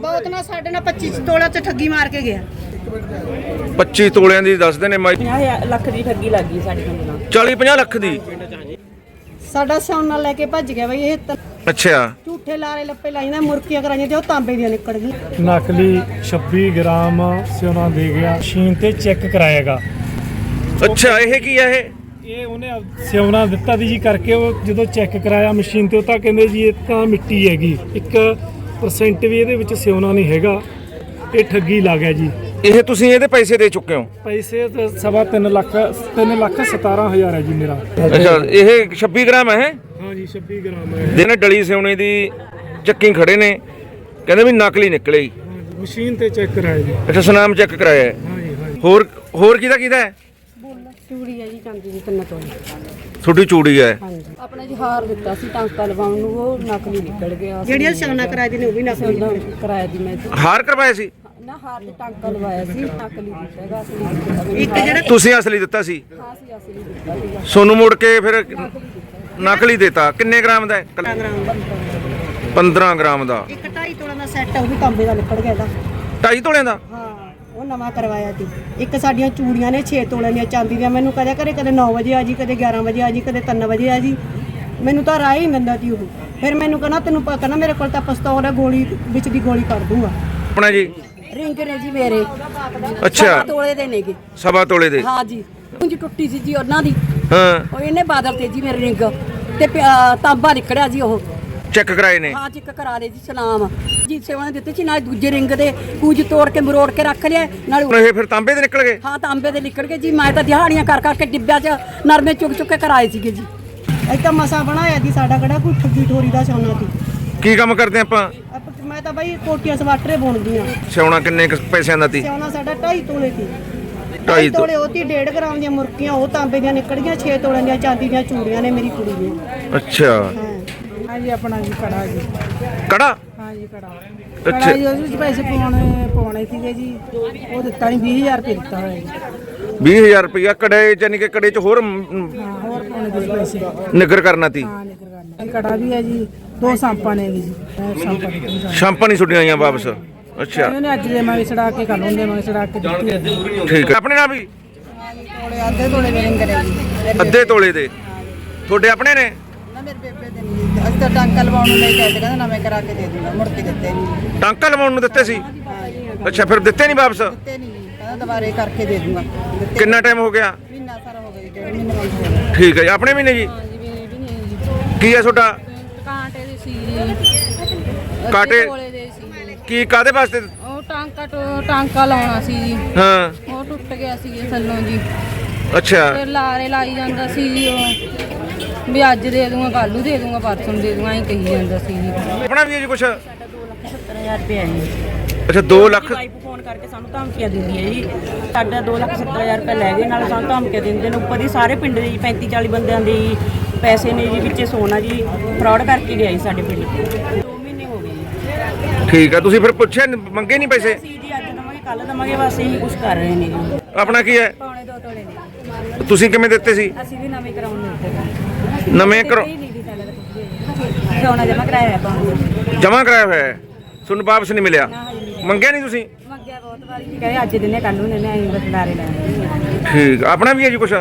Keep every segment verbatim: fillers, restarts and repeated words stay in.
ਬਹੁਤ ਨਾ ਸਾਡੇ ਨਾਲ ਪੱਚੀ ਤੋਲਾ ਤੇ ਠੱਗੀ ਮਾਰ ਕੇ ਗਿਆ। ਪੱਚੀ ਤੋਲਿਆਂ ਦੀ ਦੱਸਦੇ ਨੇ ਮਾਈ। ਪੰਜਾਹ ਲੱਖ ਦੀ ਠੱਗੀ ਲੱਗ ਗਈ ਸਾਡੇ ਪਿੰਡ ਨਾਲ। ਚਾਲੀ ਪੰਜਾਹ ਲੱਖ ਦੀ। ਸਾਡਾ ਸੋਨਾ ਲੈ ਕੇ ਭੱਜ ਗਿਆ ਬਈ ਇਹ। ਅੱਛਾ। ਝੂਠੇ ਲਾਰੇ ਲੱਪੇ ਲਾਈਆਂ ਮੁਰਕੀਆਂ ਕਰਾਈਆਂ ਤੇ ਉਹ ਤਾਂਬੇ ਦੀਆਂ ਨਿਕਲ ਗਈ। ਨਕਲੀ ਛੱਬੀ ਗ੍ਰਾਮ ਸੋਨਾ ਦੇ ਗਿਆ, ਮਸ਼ੀਨ ਤੇ ਚੈੱਕ ਕਰਾਏਗਾ। ਅੱਛਾ, ਇਹ ਕੀ ਹੈ? ਇਹ ਇਹ ਉਹਨੇ ਸੋਨਾ ਦਿੱਤਾ ਦੀ ਜੀ ਕਰਕੇ, ਉਹ ਜਦੋਂ ਚੈੱਕ ਕਰਾਇਆ ਮਸ਼ੀਨ ਤੇ ਉਹ ਤਾਂ ਕਹਿੰਦੇ ਜੀ ਇਹ ਤਾਂ ਮਿੱਟੀ ਹੈਗੀ, ਇੱਕ ਪਰਸੈਂਟ ਵੀ ਇਹਦੇ ਵਿੱਚ ਸੋਨਾ ਨਹੀਂ ਹੈਗਾ। ਇਹ ਠੱਗੀ ਲੱਗ ਗਿਆ ਜੀ। ਇਹ ਤੁਸੀਂ ਇਹਦੇ ਪੈਸੇ ਦੇ ਚੁੱਕੇ ਹੋ? ਪੈਸੇ ਤਾਂ ਸਵਾ ਤਿੰਨ ਲੱਖ ਤਿੰਨ ਲੱਖ ਸਤਾਰਾਂ ਹਜ਼ਾਰ ਹੈ ਜੀ ਮੇਰਾ। ਅੱਛਾ, ਇਹ ਛੱਬੀ ਗ੍ਰਾਮ ਹੈ? ਹਾਂ ਜੀ, ਛੱਬੀ ਗ੍ਰਾਮ ਹੈ। ਜਿਹਨੇ ਡਲੀ ਸੋਨੇ ਦੀ ਚੱਕੀ ਖੜੇ ਨੇ, ਕਹਿੰਦੇ ਵੀ ਨਕਲੀ ਨਿਕਲੇ। ਮਸ਼ੀਨ ਤੇ ਚੈੱਕ ਕਰਾਇਆ ਜੀ। ਅੱਛਾ, ਸੁਨਾਮ ਚੈੱਕ ਕਰਾਇਆ ਹੈ। ਹਾਂ ਜੀ, ਹਾਂ ਜੀ। ਹੋਰ ਹੋਰ ਕਿਹਦਾ ਕਿਹਦਾ ਹੈ? ਚੂੜੀ ਹੈ ਜੀ, ਚਾਂਦੀ ਦੀ ਤਿੰਨ ਤੋਲੇ। ਤੁਹਾਡੀ ਚੂੜੀ ਹੈ? ਹਾਂਜੀ। ਆਪਣਾ ਜੀ ਹਾਰ ਦਿੱਤਾ ਸੀ ਟਾਂਕਾ ਲਵਾਉਣ ਨੂੰ, ਉਹ ਨਕਲੀ ਨਿਕਲ ਗਿਆ। ਜਿਹੜੀਆਂ ਸੋਨਾ ਕਿਰਾਏ ਦੀ ਨੇ ਉਹ ਵੀ ਨਕਲੀ ਕਿਰਾਏ ਦੀ। ਮੈਂ ਹਾਰ ਕਰਵਾਇਆ ਸੀ ਨਾ, ਹਾਰ ਤੇ ਟਾਂਕਾ ਲਵਾਇਆ ਸੀ, ਨਕਲੀ ਦਿੱਤਾ ਹੈਗਾ ਅਸਲੀ। ਇੱਕ ਜਿਹੜਾ ਤੁਸੀਂ ਅਸਲੀ ਦਿੱਤਾ ਸੀ? ਹਾਂ ਸੀ ਅਸਲੀ ਦਿੱਤਾ ਸੀਗਾ। ਸੋਨੂੰ ਮੋੜ ਕੇ ਫਿਰ ਨਕਲੀ ਦੇਤਾ। ਕਿੰਨੇ ਗ੍ਰਾਮ ਦਾ ਹੈ? ਪੰਦਰਾਂ ਗ੍ਰਾਮ ਦਾ। ਇੱਕ ਢਾਈ ਤੋਲਾ ਦਾ ਸੈੱਟ ਉਹ ਵੀ ਤਾਂਬੇ ਦਾ ਨਿਕਲ ਗਿਆ ਇਹਦਾ। ਢਾਈ ਤੋਲਿਆਂ ਦਾ? ਹਾਂ, ਉਹ ਨਵਾਂ ਕਰਵਾਇਆ ਸੀ। ਇੱਕ ਸਾਡੀਆਂ ਚੂੜੀਆਂ ਨੇ ਛੇ ਤੋਲਿਆਂ ਦੀਆਂ ਚਾਂਦੀ ਦੀਆਂ। ਮੈਨੂੰ ਕਦੇ ਘਰੇ ਕਦੇ ਨੌ ਵਜੇ ਆ ਜੀ, ਕਦੇ ਗਿਆਰਾਂ ਵਜੇ ਆ ਜੀ, ਕਦੇ ਤਿੰਨ ਵਜੇ ਆ ਜੀ। ਮੈਨੂੰ ਤਾਂ ਰਾਹ ਹੀ ਨਹੀਂ ਦਿੰਦਾ ਸੀ ਉਹ। ਫਿਰ ਮੈਨੂੰ ਕਹਿੰਦਾ ਤੈਨੂੰ ਪਤਾ ਨਾ ਮੇਰੇ ਕੋਲ ਤਾਂ ਪਿਸਤੌਲ ਹੈ, ਗੋਲੀ ਵਿੱਚ ਦੀ ਗੋਲੀ ਕੱਢ ਦੂੰਗਾ। ਆਪਣਾ ਜੀ ਰਿੰਗ ਨੇ ਜੀ ਮੇਰੇ। ਅੱਛਾ, ਤੋਲੇ ਦੇ ਨੇਗੇ। ਸਵਾ ਤੋਲੇ ਦੇ? ਹਾਂ ਜੀ। ਉਂਝ ਟੁੱਟੀ ਸੀ ਜੀ ਉਹਨਾਂ ਦੀ। ਹਾਂ। ਉਹ ਇਹਨੇ ਬਾਦਲ ਤੇ ਜੀ ਮੇਰੇ ਰਿੰਗ ਤੇ ਤਾਂਬਾ ਨਿਕੜਿਆ ਜੀ। ਉਹ ਚੈੱਕ ਕਰਾਏ ਨੇ? ਹਾਂ, ਚੈੱਕ ਕਰਾ ਲਏ ਜੀ। ਸਲਾਮ ਜੀ ਸੇਵਾ ਨੇ ਦਿੱਤੇ ਸੀ। ਨਾਲ ਦੂਜੇ ਰਿੰਗ ਦੇ ਕੂਜ ਤੋੜ ਕੇ ਮਰੋੜ ਕੇ ਰੱਖ ਲਿਆ। ਨਾਲ ਇਹ ਫਿਰ ਤਾਂਬੇ ਦੇ ਨਿਕਲ ਗਏ? ਹਾਂ, ਤਾਂਬੇ ਦੇ ਨਿਕਲ ਗਏ ਜੀ। ਮੈਂ ਤਾਂ ਦਿਹਾੜੀਆਂ ਕਰ ਕਰਕੇ ਡਿੱਬਿਆਂ 'ਚ ਨਰਮੇ ਚੁੱਕ ਚੁੱਕ ਕੇ ਕਰਾਏ ਸੀਗੇ ਜੀ। ਇਹ ਤਾਂ ਮਸਾ ਬਣਾਇਆ ਜੀ ਸਾਡਾ, ਕਿਹੜਾ ਕੋਈ ਠੱਗੀ ਠੋਰੀ ਦਾ ਸੋਨਾ ਸੀ। ਕੀ ਕੰਮ ਕਰਦੇ ਆਪਾਂ? ਮੈਂ ਤਾਂ ਬਾਈ ਕੋਟੀਆਂ ਸਵਾਟਰੇ ਬੁਣਦੀ ਆ। ਸੋਨਾ ਕਿੰਨੇ ਪੈਸਿਆਂ ਦਾ ਸੀ? ਸੋਨਾ ਸਾਡਾ ਢਾਈ ਤੋਲੇ ਸੀ। ਢਾਈ ਤੋਲੇ ਉਹ ਤੀ ਡੇਢ ਗ੍ਰਾਮ ਦੀਆਂ ਮੁਰਕੀਆਂ, ਉਹ ਤਾਂਬੇ ਦੀਆਂ ਨਿਕਲ ਗਈਆਂ। ਛੇ ਤੋਲਿਆਂ ਦੀਆਂ ਚਾਂਦੀ ਦੀਆਂ ਚੂੜੀਆਂ ਨੇ ਮੇਰੀ ਕੁੜੀ ਦੀਆਂ। ਅੱਛਾ। ਹਾਂ ਜੀ, ਆਪਣਾ ਜੀ ਕੜਾ ਜੀ। ਕੜਾ? ਹਾਂ ਜੀ, ਕੜਾ। ਅੱਛਾ ਕੜਾ ਜੀ, ਉਹਦੇ ਵਿੱਚ ਪੈਸੇ ਪਾਉਣੇ ਪਾਉਣੇ ਸੀਗੇ ਜੀ। ਉਹ ਦਿੱਤਾ ਨਹੀਂ, ਵੀਹ ਹਜ਼ਾਰ ਰੁਪਏ ਦਿੱਤਾ ਹੋਇਆ ਜੀ। ਵੀਹ ਹਜ਼ਾਰ ਰੁਪਇਆ ਕੜੇ? ਯਾਨੀ ਕਿ ਕੜੇ 'ਚ ਹੋਰ ਹਾਂ, ਹੋਰ ਪਾਉਣੇ ਦੇ ਪੈਸੇ। ਨਿਗਰ ਕਰਨਾ ਤੀ? ਹਾਂ, ਨਿਕਰ ਕਰਨਾ। ਕੜਾ ਵੀ ਹੈ ਜੀ। ਦੋ ਸਾਂਪਾਂ ਨੇ ਜੀ। ਸਾਂਪਾਂ ਦੇ ਸ਼ਾਂਪਾਂ ਨਹੀਂ ਛੁੱਟੀਆਂ ਆਈਆਂ ਵਾਪਸ? ਅੱਛਾ। ਇਹਨੇ ਅੱਜ ਦੇਵਾਂਗੇ ਛੜਾ ਕੇ, ਕੱਲ ਨੂੰ ਦੇਵਾਂਗੇ ਛੜਾ ਕੇ ਦਿੱਤੀ। ਠੀਕ ਹੈ। ਆਪਣੇ ਨਾਲ ਵੀ ਤੋਲੇ ਅੱਧੇ ਤੋਲੇ ਦੇ ਰਿੰਗ ਨੇ ਜੀ। ਅੱਧੇ ਤੋਲੇ ਦੇ ਤੁਹਾਡੇ ਆਪਣੇ ਨੇ? ਨਾ, ਮੇਰੇ ਬੇਬੇ ਦੇ ਨਹੀਂ। ਅੱਜ ਤਾਂ ਟਾਂਕਾ ਲਵਾਉਣ ਨੂੰ ਲੈ ਕੇ ਆਏ ਤੇ ਕਹਿੰਦਾ ਨਵੇਂ ਕਰਾ ਕੇ ਦੇ ਦੂੰਗਾ। ਮੁੜ ਕੇ ਦਿੱਤੇ ਨਹੀਂ। ਟਾਂਕਾ ਲਵਾਉਣ ਨੂੰ ਦਿੱਤੇ ਸੀ? ਅੱਛਾ, ਫਿਰ ਦਿੱਤੇ ਨਹੀਂ ਵਾਪਸ? ਦਿੱਤੇ ਨਹੀਂ ਜੀ। ਕਹਿੰਦਾ ਦੁਬਾਰੇ ਕਰਕੇ ਦੇ ਦੂੰਗਾ। ਕਿੰਨਾ ਟਾਈਮ ਹੋ ਗਿਆ? ਮਹੀਨਾ ਸਾਰਾ ਹੋ ਗਿਆ ਜੀ। ਡੇਢ ਮਹੀਨੇ ਵਾਲੀ ਹੋ ਗਿਆ। ਠੀਕ ਹੈ ਜੀ। ਆਪਣੇ ਵੀ ਨੇ ਜੀ? ਕੀ ਹੈ ਤੁਹਾਡਾ? ਕਾਂਟੇ ਦੇ ਸੀ ਜੀ। ਕਾਂਟੇ? ਤੋਲੇ ਦੇ ਸੀ। ਕੀ ਕਾਦੇ ਵਾਸਤੇ? ਉਹ ਟਾਂਕਾ ਟੋ- ਟਾਂਕਾ ਲਾਉਣਾ ਸੀ ਜੀ। ਹਾਂ। ਉਹ ਟੁੱਟ ਗਿਆ ਸੀ ਜੀ ਥੱਲੋਂ ਜੀ। ਅੱਛਾ। ਫਿਰ ਲਾਰੇ ਲਾਈ ਜਾਂਦਾ ਸੀ ਜੀ ਉਹ, ਵੀ ਅੱਜ ਦੇ ਦੂੰਗਾ, ਕੱਲ ਨੂੰ ਦੇ ਦੂੰਗਾ, ਪਰਸੋਂ ਦੇ ਦੂੰਗਾ, ਐਂ ਕਹੀ ਜਾਂਦਾ ਸੀ ਜੀ। ਆਪਣਾ ਵੀ ਹੈ ਜੀ ਕੁਛ? ਸੱਤਰ ਹਜ਼ਾਰ ਰੁਪਏ ਹੈ ਜੀ। ਅੱਛਾ, ਦੋ ਲੱਖ? ਵਾਈਫ ਫੋਨ ਕਰਕੇ ਸਾਨੂੰ ਧਮਕੀਆਂ ਦਿੰਦੀ ਹੈ ਜੀ। ਸਾਡਾ ਦੋ ਲੱਖ ਸੱਤਰ ਹਜ਼ਾਰ ਰੁਪਏ ਲੈ ਗਏ, ਨਾਲ ਸਾਨੂੰ ਧਮਕੀਆਂ ਦਿੰਦੇ ਨੇ। ਉੱਪਰ ਦੀ ਸਾਰੇ ਪਿੰਡ ਦੇ ਜੀ ਪੈਂਤੀ ਚਾਲੀ ਬੰਦਿਆਂ ਦੇ ਪੈਸੇ ਨੇ ਜੀ, ਵਿੱਚੇ ਸੋਨਾ ਜੀ ਫਰਾਡ ਕਰਕੇ ਲਿਆਈ ਸਾਡੇ ਪਿੰਡ। ਦੋ ਮਹੀਨੇ ਹੋ ਗਏ ਜੀ। ਠੀਕ ਹੈ। ਤੁਸੀਂ ਫਿਰ ਪੁੱਛਿਆ ਮੰਗੇ ਨਹੀਂ ਪੈਸੇ? ਅਸੀਂ ਜੀ ਅੱਜ ਦਵਾਂਗੇ, ਕੱਲ ਦਵਾਂਗੇ, ਬਸ ਇਹੀ ਕੁਝ ਕਰ ਰਹੇ ਨੇ ਜੀ। ਆਪਣਾ ਕੀ ਹੈ? ਪੌਣੇ ਦੋ ਤੋਲੇ ਨੇ। ਤੁਸੀਂ ਕਿਵੇਂ ਦਿੱਤੇ ਸੀ? ਅਸੀਂ ਵੀ ਨਵੇਂ ਕਰਾਉਣ ਨੂੰ ਦਿੱਤੇ। ਨਵੇਂ ਕਰੋ? ਸੋਨਾ ਜਮਾ ਕਰਾਇਆ ਹੈ ਪਾਉਣ। ਜਮਾ ਕਰਾਇਆ ਹੋਇਆ ਹੈ? ਤੁਹਾਨੂੰ ਵਾਪਸ ਨਹੀਂ ਮਿਲਿਆ? ਮੰਗਿਆ ਨਹੀਂ ਤੁਸੀਂ? ਮੰਗਿਆ ਬਹੁਤ ਵਾਰੀ ਸੀ, ਕਹੇ ਅੱਜ ਦਿਨੇ ਕੱਲ ਨੂੰ ਨੇ, ਐਂ ਬਸ ਲਾਰੇ ਲਾਏ। ਠੀਕ। ਆਪਣਾ ਵੀ ਹੈ ਜੀ ਕੁਛ?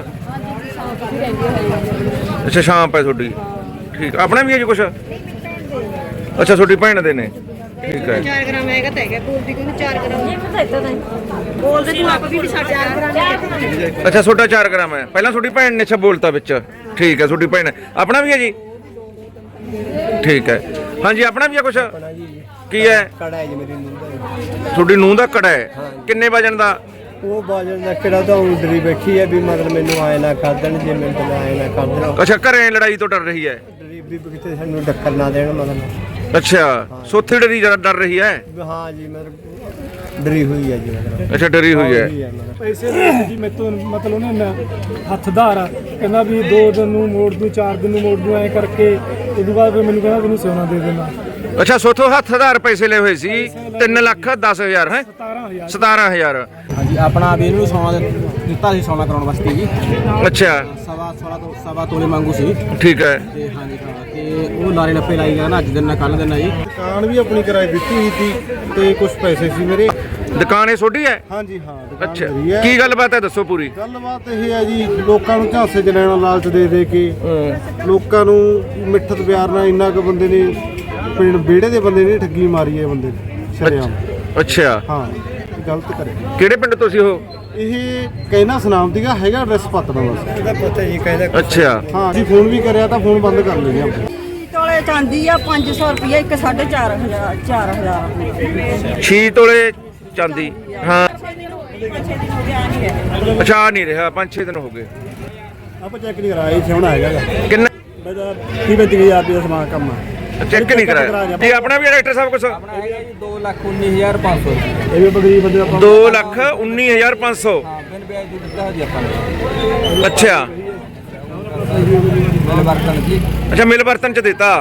ਅੱਛਾ, ਸ਼ਾਮ ਪੈ ਤੁਹਾਡੀ। ਠੀਕ। ਆਪਣਾ ਵੀ ਹੈ ਜੀ ਕੁਛ? ਅੱਛਾ, ਤੁਹਾਡੀ ਭੈਣ ਦੇ ਨੇ। ਠੀਕ ਹੈ। ਚਾਰ ਗ੍ਰਾਮ ਹੈਗਾ ਤਾਂ ਹੈਗਾ। ਬੋਲਦੀ ਕਿਉਂ ਚਾਰ ਗ੍ਰਾਮ? ਬੋਲਦੇ ਤੂੰ ਆਪ ਵੀ ਸਾਡੇ ਚਾਰ ਗ੍ਰਾਮ। ਅੱਛਾ, ਤੁਹਾਡਾ ਚਾਰ ਗ੍ਰਾਮ ਹੈ। ਪਹਿਲਾਂ ਤੁਹਾਡੀ ਭੈਣ ਨੇ ਅੱਛਾ ਬੋਲਤਾ ਵਿੱਚ। ਠੀਕ ਹੈ, ਤੁਹਾਡੀ ਭੈਣ। ਆਪਣਾ ਵੀ ਹੈ ਜੀ? ਠੀਕ ਹੈ। ਹਾਂਜੀ, ਆਪਣਾ ਵੀ ਹੈ ਕੁਛ? ਕੀ ਹੈ? ਕੜਾ ਹੈ ਜੀ ਮੇਰੀ ਨੂੰਹ ਦਾ। ਤੁਹਾਡੀ ਨੂੰਹ ਦਾ ਕੜਾ ਹੈ? ਕਿੰਨੇ ਵਜਨ ਦਾ? ਉਹ ਬਾਜਣ ਦਾ ਕਿਹੜਾ ਤਾਂ ਉਂਦਰੀ ਬੈਠੀ ਹੈ ਵੀ ਮਤਲਬ ਮੈਨੂੰ ਆਏ ਨਾ ਕਰ ਦੇਣ, ਜੇ ਮੈਨੂੰ ਤਾਂ ਆਏ ਨਾ ਕਰ ਦੇਣ। ਅੱਛਾ, ਘਰੇ ਲੜਾਈ ਤੋਂ ਡਰ ਰਹੀ ਹੈ? ਗਰੀਬੀ ਕਿਤੇ ਸਾਨੂੰ ਟੱਕਰ ਨਾ ਦੇਣ ਮਤਲਬ। ਅੱਛਾ, ਸੋਥੀ ਡਰੀ ਜਰਾ ਡਰ ਰਹੀ ਹੈ? ਹਾਂ ਜੀ, ਮਤਲਬ ਡਰੀ ਹੋਈ ਹੈ ਜੀ ਮਤਲਬ। ਅੱਛਾ, ਡਰੀ ਹੋਈ ਹੈ। ਪੈਸੇ ਦੇ ਜੀ ਮੈਥੋਂ, ਮਤਲਬ ਉਹਨੇ ਹੱਥਦਾਰ ਆ, ਕਹਿੰਦਾ ਵੀ ਦੋ ਦਿਨ ਨੂੰ ਮੋੜ ਦੂੰ, ਚਾਰ ਦਿਨ ਨੂੰ ਮੋੜ ਦੂੰ, ਐਂ ਕਰਕੇ। ਉਦੋਂ ਬਾਅਦ ਫਿਰ ਮੈਨੂੰ ਕਹਿੰਦਾ ਤੈਨੂੰ ਸੋਨਾ ਦੇ ਦੇਣਾ। ਅੱਛਾ, ਸੋਥੋਂ ਹੱਥ ਹਜ਼ਾਰ ਪੈਸੇ ਲਏ ਹੋਏ ਸੀ। ਤਿੰਨ ਲੱਖ ਦਸ ਹਜ਼ਾਰ ਹੈ? ਸਤਾਰਾਂ ਹਜ਼ਾਰ। ਹਾਂਜੀ, ਆਪਣਾ ਵੀ ਇਹਨੂੰ ਸੋਨਾ ਦਿੱਤਾ ਸੀ, ਸੋਨਾ ਕਰਾਉਣ ਵਾਸਤੇ ਜੀ। ਅੱਛਾ। ਸਵਾ ਸੋਲਾਂ ਤੋਂ ਸਵਾ ਤੋਲੇ ਮੰਗੂ ਸੀ। ਠੀਕ ਹੈ। ਤੇ ਹਾਂਜੀ ਹਾਂ, ਤੇ ਤੇ ਉਹ ਲਾਰੇ ਲੱਪੇ ਲਾਈ ਗਿਆ ਨਾ ਅੱਜ ਦਿਨ ਨਾ ਕੱਲ ਦਿਨ ਆ ਜੀ। ਦੁਕਾਨ ਵੀ ਆਪਣੀ ਕਿਰਾਏ ਦਿੱਤੀ ਹੋਈ ਸੀ ਤੇ ਕੁਝ ਪੈਸੇ ਸੀ ਮੇਰੇ। ਦੁਕਾਨ ਇਹ ਛੋਟੀ ਹੈ? ਹਾਂਜੀ ਹਾਂ ਦੁਕਾਨ ਅੱਛਾ, ਮੇਰੀ ਹੈ। ਕੀ ਗੱਲਬਾਤ ਹੈ ਦੱਸੋ ਪੂਰੀ। ਗੱਲਬਾਤ ਇਹ ਹੈ ਜੀ, ਲੋਕਾਂ ਨੂੰ ਝਾਂਸੇ 'ਚ ਲੈਣਾ ਲਾਲਚ ਦੇ ਦੇ ਕੇ ਲੋਕਾਂ ਨੂੰ ਮਿੱਠਤ ਪਿਆਰ ਨਾਲ ਇੰਨਾ ਕੁ ਬੰਦੇ ਨੇ ਪਿੰਡ ਵਿਹੜੇ ਦੇ ਬੰਦੇ ਨੇ ਠੱਗੀ ਮਾਰੀ ਹੈ ਬੰਦੇ ਨੇ ਸ਼ਰੇਆਮ। ਅੱਛਾ, ਹਾਂ ਗਲਤ ਕਰੇ। ਕਿਹੜੇ ਪਿੰਡ ਤੋਂ ਸੀ ਉਹ? ਇਹ ਕਹਿਣਾ ਸੁਨਾਮ ਦੀਗਾ ਹੈਗਾ ਐਡਰੈਸ ਪਤਨਾ ਬਸ। ਇਹਦਾ ਪਤਾ ਹੀ ਕਹਿੰਦਾ। ਅੱਛਾ, ਹਾਂ ਜੀ ਫੋਨ ਵੀ ਕਰਿਆ ਤਾਂ ਫੋਨ ਬੰਦ ਕਰ ਲੈਣੇ ਆਪਾਂ। ਤੋਲੇ ਚਾਂਦੀ ਆ ਪੰਜ ਸੌ ਰੁਪਏ ਇੱਕ ਸਾਢੇ ਚਾਰ ਹਜ਼ਾਰ ਚਾਰ ਹਜ਼ਾਰ ਛੇ ਤੋਲੇ ਚਾਂਦੀ। ਹਾਂ ਅੱਛਾ, ਆ ਨਹੀਂ ਰਿਹਾ, ਪੰਜ ਛੇ ਦਿਨ ਹੋ ਗਏ। ਆਪਾਂ ਚੈੱਕ ਨਹੀਂ ਕਰਾਇਆ ਜੀ, ਸੋਹਣਾ ਹੈਗਾ ਕਿੰਨਾ ਮੇਰਾ ਤੀਹ ਪੈਂਤੀ ਹਜ਼ਾਰ ਰੁਪਏ ਦਾ ਸਮਾਨ ਕੰਮ ਆ। ਚੈੱਕ ਨਹੀਂ ਕਰਾਇਆ ਜੀ ਆਪਣਾ ਵੀ ਡਾਇਰੈਕਟਰ ਸਾਹਿਬ ਕੁਛ? ਆਪਣਾ ਹੈਗਾ ਜੀ ਦੋ ਲੱਖ ਉੱਨੀ ਹਜ਼ਾਰ ਪੰਜ ਸੌ। ਇਹ ਵੀ ਆਪਾਂ ਗਰੀਬ ਬੰਦੇ ਆਪਾਂ ਦੋ ਲੱਖ ਉੱਨੀ ਹਜ਼ਾਰ ਪੰਜ ਸੌ। ਹਾਂ ਬਿਨ ਵਿਆਜ ਦੀ ਦਿੱਤਾ ਜੀ ਆਪਾਂ ਨੇ। ਅੱਛਾ ਬਿਨ ਵਰਤਨ ਜੀ। ਅੱਛਾ, ਮਿਲ ਵਰਤਨ ਚ ਦਿੱਤਾ।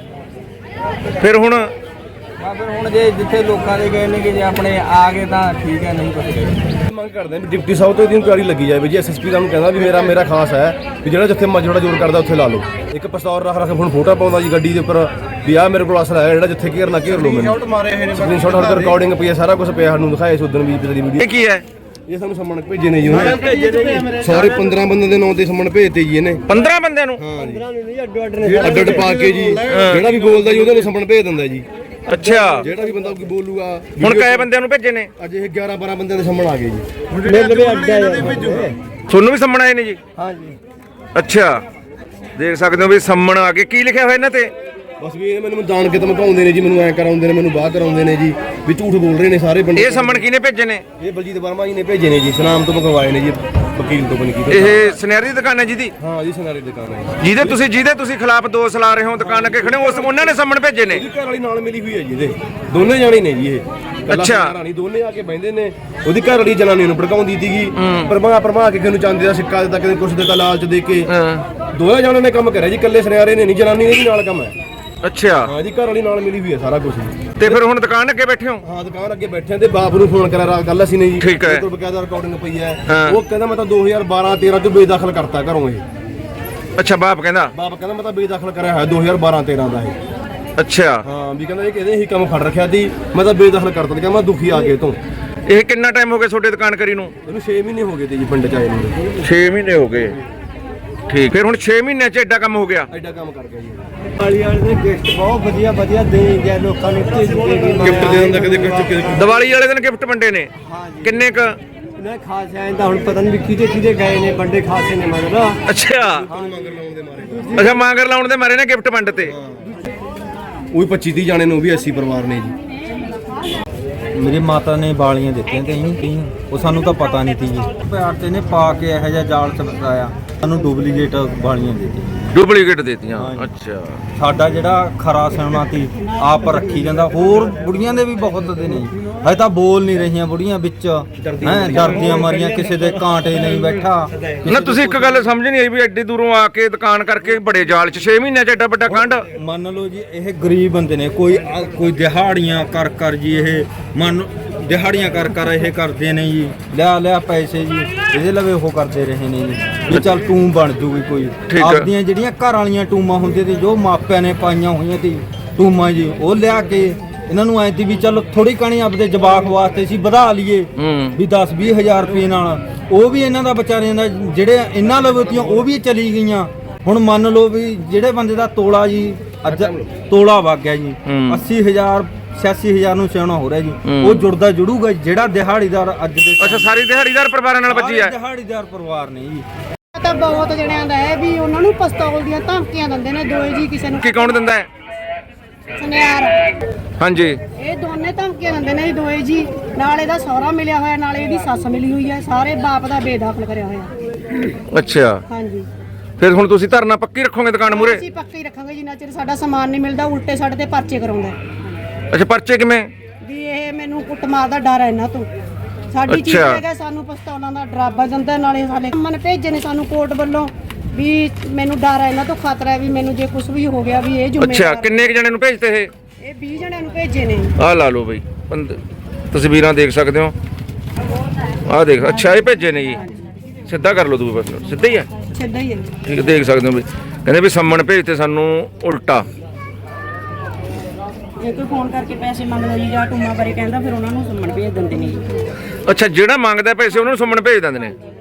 ਫਿਰ ਹੁਣ ਹਾਂ ਫਿਰ ਹੁਣ ਜੇ ਜਿੱਥੇ ਲੋਕਾਂ ਦੇ ਗਏ ਨੇ ਕਿ ਜੇ ਆਪਣੇ ਆ ਗਏ ਤਾਂ ਠੀਕ ਹੈ, ਨਹੀਂ ਕੁਛ ਗਏ। ਮੰਗ ਕਰਦੇ ਹਾਂ ਵੀ ਡਿਪਟੀ ਸਾਹਿਬ ਤੋਂ ਇਹਦੀ ਇਨਕੁਆਇਰੀ ਲੱਗੀ ਜਾਵੇ ਜੀ। ਐਸਐਸਪੀ ਦਾ ਨੂੰ ਕਹਿੰਦਾ ਵੀ ਮੇਰਾ ਮੇਰਾ ਖਾਸ ਹੈ ਵੀ ਜਿਹੜਾ ਜਿੱਥੇ ਮਜੜਾ ਜ਼ੋਰ ਕਰਦਾ ਉੱਥੇ ਲਾ ਲਓ। ਇੱਕ ਪਿਸਤੌਲ ਰੱਖ ਰੱਖ ਹੁਣ ਫੋਟੋ ਪਾਉਂਦਾ ਜੀ ਗੱਡੀ ਦੇ ਉੱਪਰ ਵੀ ਆਹ ਮੇਰੇ ਕੋਲ ਅਸਲ ਹੈ ਜਿਹੜਾ ਜਿੱਥੇ ਘੇਰਨਾ ਘੇਰ ਲਓ ਮੈਨੂੰ। ਸਕਰੀਨਸ਼ਾਟ ਹਰ ਰਿਕਾਰਡਿੰਗ ਪਈ ਹੈ, ਸਾਰਾ ਕੁਝ ਪਿਆ ਸਾਨੂੰ ਦਿਖਾਇਆ ਸੀ ਉਦੋਂ ਵੀ ਪਿਛਲੀ ਵੀਡੀਓ। ਇਹ ਕੀ ਹੈ? ਇਹ ਸਾਨੂੰ ਸੰਮਣ ਭੇਜੇ ਨੇ ਜੀ ਉਹਨੇ ਸਾਰੇ ਪੰਦਰਾਂ ਬੰਦਿਆਂ ਦੇ ਨਾਂ ਤੇ ਸੰਮਣ ਭੇਜਤੇ ਜੀ ਇਹਨੇ। ਪੰਦਰਾਂ ਬੰਦਿਆਂ ਨੂੰ? ਹਾਂ ਜੀ, ਅੱਡ ਅੱਡ ਪਾ ਕੇ ਜੀ ਜਿਹੜਾ ਵੀ ਬੋਲਦਾ ਜੀ ਉਹਦੇ ਨੂੰ ਸੰਮਣ ਭੇਜ ਦਿੰਦਾ ਜੀ। ਅੱਛਾ, ਜਿਹੜਾ ਵੀ ਬੰਦਾ ਕੋਈ ਬੋਲੂਗਾ। ਹੁਣ ਕਈ ਬੰਦਿਆਂ ਨੂੰ ਭੇਜੇ ਨੇ? ਅੱਜ ਇਹ ਗਿਆਰਾਂ ਬਾਰਾਂ ਬੰਦਿਆਂ ਦੇ ਸੰਮਣ ਆ ਗਏ ਜੀ। ਮਿਲ ਵੀ ਅੱਡਾ ਯਾਰ। ਤੁਹਾਨੂੰ ਵੀ ਸੰਮਣ ਆਏ ਨੇ ਜੀ? ਹਾਂ ਜੀ ਅੱਛਾ, ਦੇਖ ਸਕਦੇ ਹੋ ਵੀ ਸੰਮਣ ਆ ਕੇ ਕੀ ਲਿਖਿਆ ਹੋਇਆ ਇਹਨਾਂ ਤੇ? ਬਸ ਵੀ ਇਹ ਮੈਨੂੰ ਜਾਣ ਕੇ ਧਮਕਾਉਂਦੇ ਨੇ ਜੀ, ਮੈਨੂੰ ਐ ਕਰਾਉਂਦੇ ਨੇ, ਮੈਨੂੰ ਬਾਹਰ ਕਰਾਉਂਦੇ ਨੇ ਜੀ, ਵੀ ਝੂਠ ਬੋਲ ਰਹੇ ਨੇ ਸਾਰੇ ਬੰਦੇ। ਇਹ ਸੰਮਣ ਕਿਹਨੇ ਭੇਜੇ ਨੇ? ਇਹ ਬਲਜੀਤ ਵਰਮਾ ਜੀ ਨੇ ਭੇਜੇ ਨੇ ਜੀ, ਸੁਨਾਮ ਤੋਂ ਮੰਗਵਾਏ ਨੇ ਜੀ, ਵਕੀਲ ਤੋਂ ਬਣੀ ਕੀਤੀ। ਇਹ ਸੁਨਹਿਰੀ ਦੀ ਦੁਕਾਨ ਹੈ ਜਿਹਦੀ? ਹਾਂ ਜੀ, ਸੁਨਾਰੀ ਦੁਕਾਨ ਹੈ ਜੀ। ਜਿਹਦੇ ਤੁਸੀਂ ਜਿਹਦੇ ਤੁਸੀਂ ਖਿਲਾਫ ਦੋਸ਼ ਲਾ ਰਹੇ ਹੋ ਦੁਕਾਨ ਅੱਗੇ ਖੜੇ ਹੋ, ਉਸ ਉਹਨਾਂ ਨੇ ਸੰਮਣ ਭੇਜੇ ਨੇ? ਉਹਦੀ ਘਰ ਵਾਲੀ ਨਾਲ ਮਿਲੀ ਹੋਈ ਹੈ ਜੀ ਇਹਦੇ, ਦੋਨੇ ਜਾਣੇ ਨੇ ਜੀ ਇਹ। ਅੱਛਾ। ਰਾਣੀ ਦੋਨੇ ਆ ਕੇ ਬੈੰਦੇ ਨੇ, ਉਹਦੀ ਘਰ ਵਾਲੀ ਜਨਾਨੀ ਨੂੰ ਭੜਕਾਉਂਦੀ ਸੀਗੀ, ਪਰਮਾ ਪਰਮਾ ਕੇ ਕਿਹਨੂੰ ਚਾਂਦੀ ਦਾ ਸਿੱਕਾ ਦਿੱਤਾ, ਕਿਤੇ ਕੁਛ ਦਿੱਤਾ ਲਾਲਚ ਦੇ ਕੇ। ਦੋਵੇਂ ਜਾਣਿਆਂ ਨੇ ਕੰਮ ਕਰਿਆ ਜੀ, ਇਕੱਲੇ ਸੁਨਿਆਰੇ ਨੇ ਨਹੀਂ, ਜਨਾਨੀ ਨੇ ਵੀ ਨਾਲ ਕੰਮ ਹੈ। ਅੱਛਾ, ਹਾਂ ਜੀ, ਘਰ ਵਾਲੀ ਨਾਲ ਮਿਲੀ ਹੋਈ ਹੈ ਸਾਰਾ ਕੁਝ। ਤੇ ਫਿਰ ਹੁਣ ਦੁਕਾਨ ਅੱਗੇ ਬੈਠੇ ਹੋ? ਹਾਂ ਦੁਕਾਨ ਅੱਗੇ ਬੈਠੇ ਤੇ ਬਾਪ ਨੂੰ ਫੋਨ ਕਰਿਆ, ਰਾਤ ਗੱਲ ਅਸੀਂ ਨੇ ਜੀ। ਠੀਕ ਹੈ। ਤੋਂ ਬਕਾਇਦਾ ਰਿਕਾਰਡਿੰਗ ਪਈ ਹੈ। ਹਾਂ। ਉਹ ਕਹਿੰਦਾ ਮੈਂ ਤਾਂ ਦੋ ਹਜ਼ਾਰ ਬਾਰਾਂ ਤੇਰਾਂ ਚ ਬੇਦਖਲ ਕਰਤਾ ਘਰੋਂ ਇਹ। ਅੱਛਾ, ਬਾਪ ਕਹਿੰਦਾ? ਬਾਪ ਕਹਿੰਦਾ ਮੈਂ ਤਾਂ ਬੇਦਖਲ ਕਰਿਆ ਹੋਇਆ ਦੋ ਹਜ਼ਾਰ ਬਾਰਾਂ ਤੇਰਾਂ ਦਾ ਇਹ। ਅੱਛਾ, ਹਾਂ ਵੀ ਕਹਿੰਦਾ ਇਹ ਕਹਿੰਦੇ ਇਹੀ ਕੰਮ ਫੜ ਰੱਖਿਆ ਸੀ, ਮੈਂ ਤਾਂ ਬੇਦਖਲ ਕਰਤਾ ਤੇ ਕਹਿੰਦਾ ਮੈਂ ਦੁਖੀ ਆ ਕੇ ਤੋਂ। ਇਹ ਕਿੰਨਾ ਟਾਈਮ ਹੋ ਗਿਆ ਤੁਹਾਡੇ ਦੁਕਾਨ ਕਰੀ ਨੂੰ? ਇਹਨੂੰ ਛੇ ਮਹੀਨੇ ਹੋ ਗਏ ਤੇ ਜੀ ਪਿੰਡ ਚ ਆਏ ਨੂੰ। ਛੇ ਮਹੀਨੇ ਹੋ ਗਏ। ਠੀਕ, ਫਿਰ ਹੁਣ ਛੇ ਮਹੀਨਿਆਂ ਚ ਐਡਾ ਕੰਮ ਹੋ ਗਿਆ? ਐਡਾ ਕੰਮ ਕਰ ਗਿਆ ਜੀ। ਵਾਲੀ ਵਾਲੇ ਦੇ ਗਿਫਟ ਬਹੁਤ ਵਧੀਆ ਵਧੀਆ ਦੇ ਗਿਆ ਲੋਕਾਂ ਨੂੰ। ਗਿਫਟ ਦੇ ਦਿੰਦਾ ਕਦੇ ਕੁਝ ਕਿਤੇ। ਦੀਵਾਲੀ ਵਾਲੇ ਦਿਨ ਗਿਫਟ ਵੰਡੇ ਨੇ? ਕਿੰਨੇ ਕ? ਨਾ ਖਾਸ ਐਂ ਤਾਂ ਹੁਣ ਪਤਾ ਨਹੀਂ ਕਿਹਦੇ ਕਿਹਦੇ ਗਏ ਨੇ ਬੰਦੇ ਖਾਸੇ ਨੇ ਮਗਰ। ਅੱਛਾ, ਮੰਗਰ ਲਾਉਣ ਦੇ ਮਾਰੇ। ਅੱਛਾ ਮਾਂਗਰ ਲਾਉਣ ਦੇ ਮਾਰੇ ਨੇ ਗਿਫਟ ਵੰਡ ਤੇ? ਉਹੀ ਪੱਚੀ ਤੀਹ ਜਾਣੇ ਨੂੰ ਵੀ ਅੱਸੀ ਪਰਿਵਾਰ ਨੇ ਜੀ। ਮੇਰੀ ਮਾਤਾ ਨੇ ਬਾਲੀਆਂ ਦਿੱਤੀਆਂ ਤੇ ਇਹਨੂੰ ਕਈ, ਉਹ ਸਾਨੂੰ ਤਾਂ ਪਤਾ ਨਹੀਂ ਸੀ ਜੀ। ਪਿਆਰ ਤੇ ਨੇ ਪਾ ਕੇ ਇਹੋ ਜਿਹਾ ਜਾਲ ਚਮਕਾਇਆ, ਸਾਨੂੰ ਡੁਪਲੀਕੇਟ ਬਾਲੀਆਂ ਦਿੱਤੀਆਂ। ਡੁਪਲੀਕੇਟ ਦੇਤੀਆਂ? ਅੱਛਾ। ਸਾਡਾ ਜਿਹੜਾ ਖਰਾ ਸਿਉਣਾ ਸੀ ਆਪ ਰੱਖੀ ਜਾਂਦਾ। ਹੋਰ ਬੁੜੀਆਂ ਦੇ ਵੀ ਬਹੁਤ ਦੇ ਨੇ ਜੀ, ਹਜੇ ਤਾਂ ਬੋਲ ਨਹੀਂ ਰਹੀਆਂ ਬੁੜੀਆਂ ਵਿੱਚ, ਹੈਂ ਡਰਦੀਆਂ ਮਾਰੀਆਂ, ਕਿਸੇ ਦੇ ਕਾਂਟੇ ਨਹੀਂ ਬੈਠਾ। ਨਾ ਤੁਸੀਂ ਇੱਕ ਗੱਲ ਸਮਝ ਨਹੀਂ ਆਈ ਵੀ ਐਡੀ ਦੂਰੋਂ ਆ ਕੇ ਦੁਕਾਨ ਕਰਕੇ ਬੜੇ ਜਾਲ ਚ ਛੇ ਮਹੀਨਿਆਂ ਚ ਐਡਾ ਵੱਡਾ ਕਾਂਡ? ਮੰਨ ਲਓ ਜੀ ਇਹ ਗਰੀਬ ਬੰਦੇ ਨੇ, ਕੋਈ ਕੋਈ ਦਿਹਾੜੀਆਂ ਕਰ ਕਰ ਜੀ, ਇਹ ਮੰਨ ਦਿਹਾੜੀਆਂ ਕਰ ਕਰ ਇਹ ਕਰਦੇ ਨੇ ਜੀ, ਲਿਆ ਲਿਆ ਪੈਸੇ ਜੀ ਇਹਦੇ ਲਵੇ ਉਹ ਕਰਦੇ ਰਹੇ ਨੇ ਜੀ ਵੀ ਚੱਲ ਟੂਮ ਬਣ ਜੂਗੀ ਕੋਈ। ਆਪਦੀਆਂ ਜਿਹੜੀਆਂ ਘਰ ਵਾਲੀਆਂ ਟੂਮਾਂ ਹੁੰਦੀਆਂ ਤੇ ਜੋ ਮਾਪਿਆਂ ਨੇ ਪਾਈਆਂ ਹੋਈਆਂ ਤੇ ਟੂਮਾਂ ਜੀ, ਉਹ ਲਿਆ ਕੇ ਇਹਨਾਂ ਨੂੰ ਐ ਤੀ ਵੀ ਚੱਲ ਥੋੜੀ ਕਣੀ ਆਪਦੇ ਜਵਾਕ ਵਾਸਤੇ ਸੀ ਵਧਾ ਲਈਏ ਵੀ ਦਸ ਵੀਹ ਹਜ਼ਾਰ ਰੁਪਏ ਨਾਲ। ਉਹ ਵੀ ਇਹਨਾਂ ਦਾ ਵਿਚਾਰਿਆਂ ਦਾ ਜਿਹੜੇ ਇਹਨਾਂ ਲਵੇਤੀਆਂ ਉਹ ਵੀ ਚਲੀ ਗਈਆਂ। ਹੁਣ ਮੰਨ ਲਓ ਵੀ ਜਿਹੜੇ ਬੰਦੇ ਦਾ ਤੋਲਾ ਜੀ ਅੱਜ ਤੋਲਾ ਵਗ ਗਿਆ ਜੀ, ਅੱਸੀ ਹਜ਼ਾਰ ਛਿਆਸੀ ਹਜ਼ਾਰ ਨੂੰ ਸਿਆਣਾ ਹੋ ਰਿਹਾ ਜੀ, ਉਹ ਜੁੜਦਾ ਜੁੜੂਗਾ ਜਿਹੜਾ ਦਿਹਾੜੀਦਾਰ ਅੱਜ ਦੇ। ਅੱਛਾ, ਸਾਰੀ ਦਿਹਾੜੀਦਾਰ ਪਰਿਵਾਰਾਂ ਨਾਲ ਵੱਜੀ ਹੈ? ਦਿਹਾੜੀਦਾਰ ਪਰਿਵਾਰ ਨੇ ਜੀ। ਤਾਂ ਬਹੁਤ ਜਣਿਆਂ ਦਾ ਹੈ ਵੀ ਉਹਨਾਂ ਨੂੰ ਪਿਸਤੌਲ ਦੀਆਂ ਧਮਕੀਆਂ ਦਿੰਦੇ ਨੇ ਦੋਏ ਜੀ, ਕਿਸੇ ਨੂੰ ਕੀ ਕੌਣ ਦਿੰਦਾ ਹੈ? ਸੁਨਿਆਰ। ਹਾਂਜੀ, ਇਹ ਦੋਨੇ ਧਮਕੀਆਂ ਦਿੰਦੇ ਨੇ ਜੀ ਦੋਏ ਜੀ। ਨਾਲ ਇਹਦਾ ਸਹੁਰਾ ਮਿਲਿਆ ਹੋਇਆ, ਨਾਲੇ ਇਹਦੀ ਸੱਸ ਮਿਲੀ ਹੋਈ ਹੈ, ਸਾਰੇ ਬਾਪ ਦਾ ਬੇਦਖਲ ਕਰਿਆ ਹੋਇਆ। ਅੱਛਾ, ਹਾਂਜੀ। ਫਿਰ ਹੁਣ ਤੁਸੀਂ ਧਰਨਾ ਪੱਕੀ ਰੱਖੋਗੇ ਦੁਕਾਨ ਮੂਰੇ? ਅਸੀਂ ਪੱਕੀ ਰੱਖਾਂਗੇ ਜਿੰਨਾ ਚਿਰ ਸਾਡਾ ਸਮਾਨ ਨਹੀਂ ਮਿਲਦਾ। ਉਲਟੇ ਸਾਡੇ ਤੇ ਪਰਚੇ ਕਰਾਉਂਦਾ। ਅੱਛਾ, ਪਰਚੇ ਕਿਵੇਂ? ਵੀ ਇਹ ਮੈਨੂੰ ਕੁੱਟਮਾਰ ਦਾ ਡਰ ਹੈ ਇਹਨਾਂ ਤੋਂ। ਸਾਡੀ ਚੀਜ਼ ਹੈਗਾ, ਸਾਨੂੰ ਪਿਸਤੌਲਾਂ ਦਾ ਡਰਾਵਾ ਦਿੰਦਾ, ਨਾਲੇ ਸਾਡੇ ਮਨ ਭੇਜੇ ਨੇ ਸਾਨੂੰ ਕੋਰਟ ਵੱਲੋਂ ਵੀ ਮੈਨੂੰ ਡਰ ਹੈ ਇਹਨਾਂ ਤੋਂ, ਖਤਰਾ ਹੈ ਵੀ ਮੈਨੂੰ ਜੇ ਕੁਝ ਵੀ ਹੋ ਗਿਆ ਵੀ ਇਹ ਜ਼ਿੰਮੇਵਾਰ। ਅੱਛਾ, ਕਿੰਨੇ ਕੁ ਜਣੇ ਨੂੰ ਭੇਜਤੇ ਇਹ? ਇਹ ਵੀਹ ਜਣਿਆਂ ਨੂੰ ਭੇਜੇ ਨੇ। ਆਹ ਲਾ ਲਓ ਬਈ, ਪੰਦ- ਤਸਵੀਰਾਂ ਦੇਖ ਸਕਦੇ ਹੋ। ਆਹ ਦੇਖ, ਅੱਛਾ ਇਹ ਭੇਜੇ ਨੇ ਜੀ। ਸਿੱਧਾ ਕਰ ਲਓ ਤੁਸੀਂ, ਬਸ ਸਿੱਧਾ ਹੀ ਹੈ। ਸਿੱਧਾ ਹੀ ਹੈ। ਠੀਕ, ਦੇਖ ਸਕਦੇ ਹੋ ਬਈ ਕਹਿੰਦੇ ਵੀ ਸੰਮਣ ਭੇਜਤੇ ਸਾਨੂੰ ਉਲਟਾ। ਜੇ ਕੋਈ ਫੋਨ ਕਰਕੇ ਪੈਸੇ ਮੰਗਦਾ ਜੀ ਜਾਂ ਟੂਮਾ ਬਾਰੇ ਕਹਿੰਦਾ ਫਿਰ ਉਹਨਾਂ ਨੂੰ ਸੰਮਣ ਭੇਜ ਦਿੰਦੇ ਨੇ ਜੀ। ਅੱਛਾ, ਜਿਹੜਾ ਮੰਗਦਾ ਪੈਸੇ ਉਹਨਾਂ ਨੂੰ ਸੰਮਣ ਭੇਜ ਦਿੰਦੇ ਨੇ।